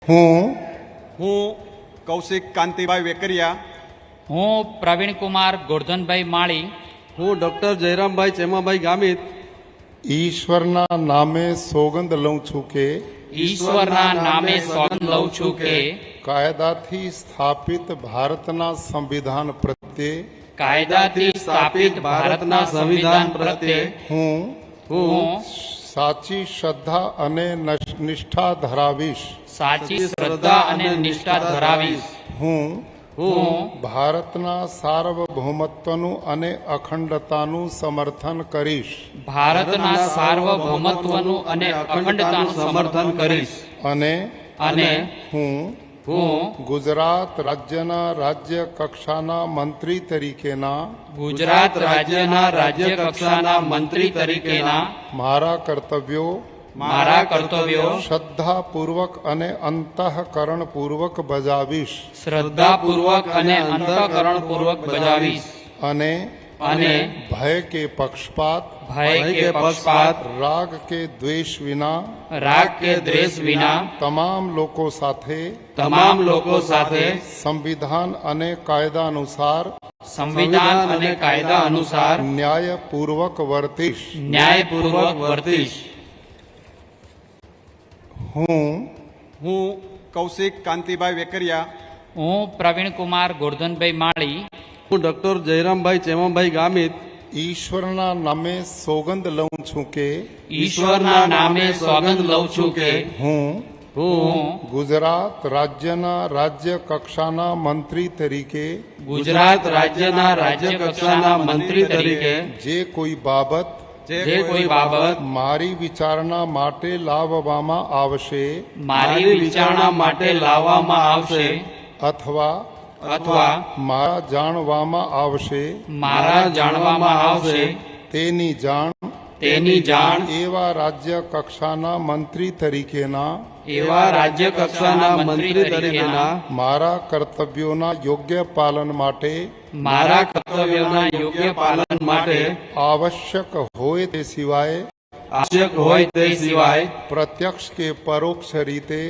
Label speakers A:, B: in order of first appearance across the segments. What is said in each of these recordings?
A: હું કૌશિક કાંતિભાઈ વેકરિયા,
B: હું પ્રવીણ કુમાર ગોરધનભાઈ માળી,
C: હું ડોક્ટર જયરામભાઈ ચેમાભાઈ ગામિત
D: ઈશ્વરના નામે સોગંદ લઉં છું કે
B: ઈશ્વરના નામે સોગંદ લઉં છું કે
D: કાયદાથી સ્થાપિત ભારતના સંવિધાન પ્રત્યે
B: કાયદાથી સ્થાપિત ભારતના સંવિધાન પ્રત્યે
D: હું સાચી શ્રદ્ધા અને નિષ્ઠા ધરાવીશ.
B: સાચી શ્રદ્ધા અને નિષ્ઠા ધરાવીશ.
D: હું
B: હું
D: ભારતના સાર્વભૌમત્વનું અને અખંડતાનું સમર્થન કરીશ
B: ભારતના સાર્વભૌમત્વનું અને અખંડતાનું સમર્થન કરીશ.
D: અને હું
B: હું
D: ગુજરાત રાજ્યના રાજ્ય કક્ષાના મંત્રી તરીકેના
B: ગુજરાત રાજ્યના રાજ્ય કક્ષાના મંત્રી તરીકેના
D: મારા કર્તવ્યો શ્રદ્ધાપૂર્વક અને અંતઃકરણપૂર્વક બજાવીશ
B: શ્રદ્ધાપૂર્વક અને અંતઃકરણપૂર્વક બજાવીશ.
D: અને ભય કે પક્ષપાત રાગ કે દ્વેષ વિના તમામ લોકો સાથે સંવિધાન અને કાયદા અનુસાર ન્યાયપૂર્વક વર્તીશ. હું
A: કૌશિક કાંતિભાઈ વેકરિયા,
B: હું પ્રવીણ કુમાર ગોરધનભાઈ માળી,
C: હું ડોક્ટર જયરામભાઈ ચેમાભાઈ ગામિત
D: ઈશ્વરના નામે સોગંદ લઉં છું કે
B: ઈશ્વરના નામે સોગંદ લઉં છું કે
D: હું
B: હું
D: ગુજરાત રાજ્યના રાજ્ય કક્ષાના મંત્રી તરીકે
B: ગુજરાત રાજ્યના રાજ્ય કક્ષાના મંત્રી તરીકે
D: જે કોઈ બાબત મારી વિચારણા માટે લાવવામાં આવશે અથવા મારા જાણવામાં આવશે તેની જાણ એવા રાજ્ય કક્ષાના મંત્રી તરીકેના મારા કર્તવ્યોના યોગ્ય પાલન માટે આવશ્યક હોય તે સિવાય પ્રત્યક્ષ કે પરોક્ષ રીતે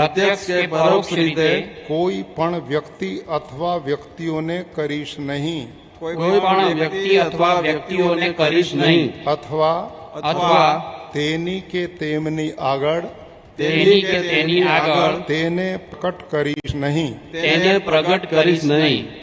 D: કોઈ પણ વ્યક્તિ અથવા વ્યક્તિઓને કરીશ નહીં અથવા તેની કે તેમની આગળ તેને પ્રગટ કરીશ નહીં.